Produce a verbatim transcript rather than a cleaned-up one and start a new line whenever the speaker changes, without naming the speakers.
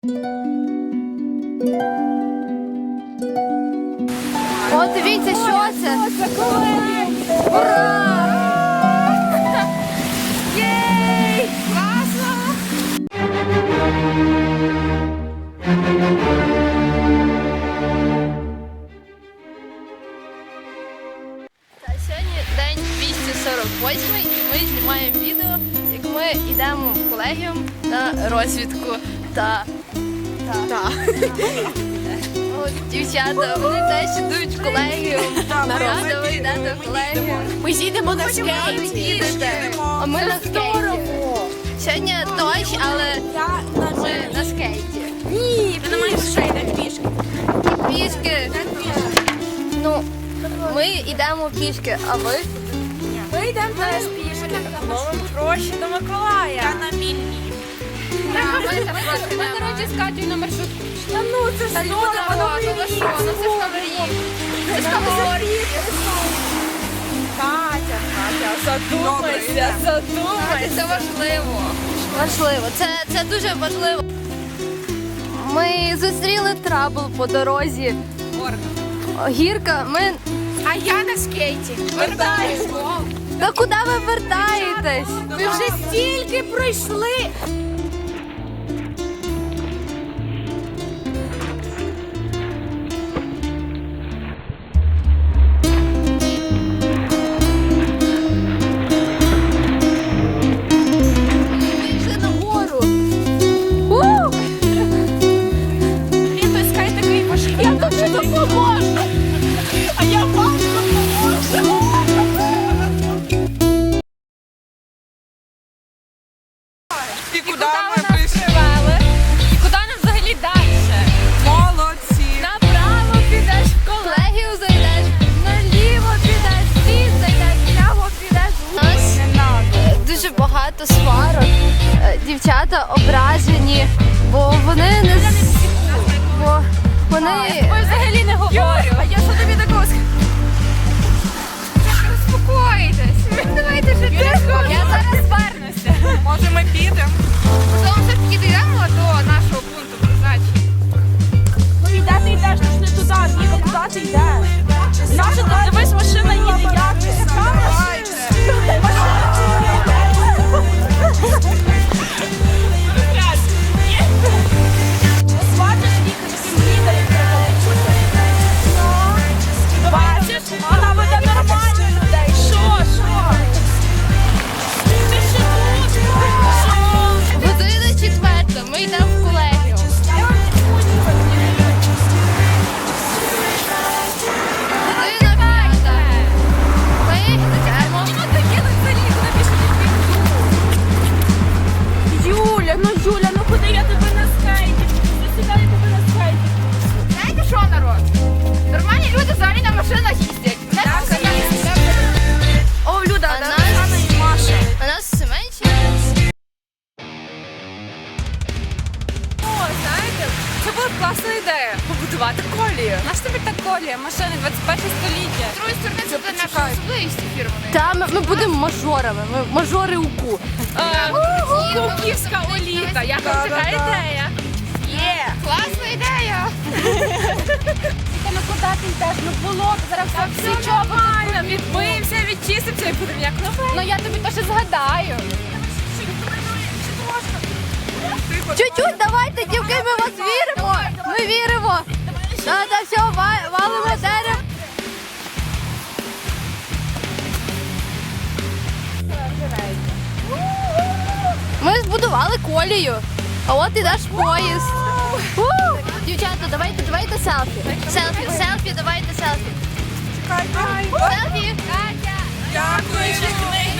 О, дивіться, що це? Ура! Єй! Класно! Та сьогодні день двісті сорок восьмий і ми знімаємо відео, як ми йдемо в колегіум на розвідку та... та... От, дівчата, вони теж йдуть в колегіум. Рада, ви йдете в колегіум.
Ми їдемо на скейті.
Їдете, а ми на скейті. Сьогодні дощ, але ми на скейті.
Ні, ти не маєш ще йти пішки.
Пішки. Ну, ми йдемо пішки, а ви?
Ми йдемо теж пішки. Ловимо гроші до Миколая. Та на мільні.
Ми, коротше, з Катєю на маршрутку.
Та ну, це ж здорово.
Ну ви що, ну це ж Таврії. Це ж Таврії.
Катя, Катя, задумайся, задумайся.
Це важливо. Важливо, це, це дуже важливо. Ми зустріли трабл по дорозі. Гірка, ми...
А я на скейті. Вертаюсь.
Та куди ви вертаєтесь?
Ми вже стільки пройшли.
Пішли нагору.
Він той скай такий важкий. Я тобі допоможу. А я вам допоможу.
І куди
Куди
ми
ви нас
прийшли?
привели? І куди нам взагалі далі?
Молодці!
Направо підеш в коло.
Колегію зайдеш, наліво підеш, звід зайдеш, прямо підеш. У нас е, дуже багато сварок. Е, Дівчата ображені, бо вони не... з- Бо вони...
Ой, взагалі не говорю. А я що тобі такого скажу? Успокойтесь. Давайте же тихо. Я зараз звернуся.
Може ми підемо?
Потім все ж таки дійдемо до нашого пункту призначення.
Ну і де ти йдеш? Ти ж не туди, Віка, куди ти йдеш? Наша, ти дивись, машина їде, як ти? Яка машина? Бачиш, Віка, таким лідером треба бути. Бачиш, вона веде нормально людей. Що, що? Ти ще тут? Що?
Година четверта, ми йдемо в колегію. Година п'ята. Ми йдемо.
Юля, ну Юля, ну куди я тебе на скейті? Засідаю тебе на скейті.
Знаєте що, народ? Нормальні люди взагалі на машинах їздять.
О, Люда,
А
да,
нас-
Оксана і Маша.
А нас все менше.
О, знаєте, це була б класна ідея побудувати колію. Наш тобі та колія, машини двадцять перше століття. З другої сторони, це буде наша особливість фірманої.
Та ми, ми будемо мажорами, ми мажори УКУ.
Куківська оліта. Як вам така ідея? Є. Класна ідея.
Тільки ну куди ти йдеш? Ну було, зараз все всі
Все нормально, відмиємося, відчистимося і будемо як нове.
Ну я тобі то ще згадаю.
Чуть-чуть, давайте, дівки, ми вас віримо. Ми віримо. Та, та, все, ва- валимо дерево. Ми збудували колію, а от ідеш поїзд. У! Дівчата, давайте, давайте селфі. Селфі, селфі, давайте селфі. Селфі.
Дякую!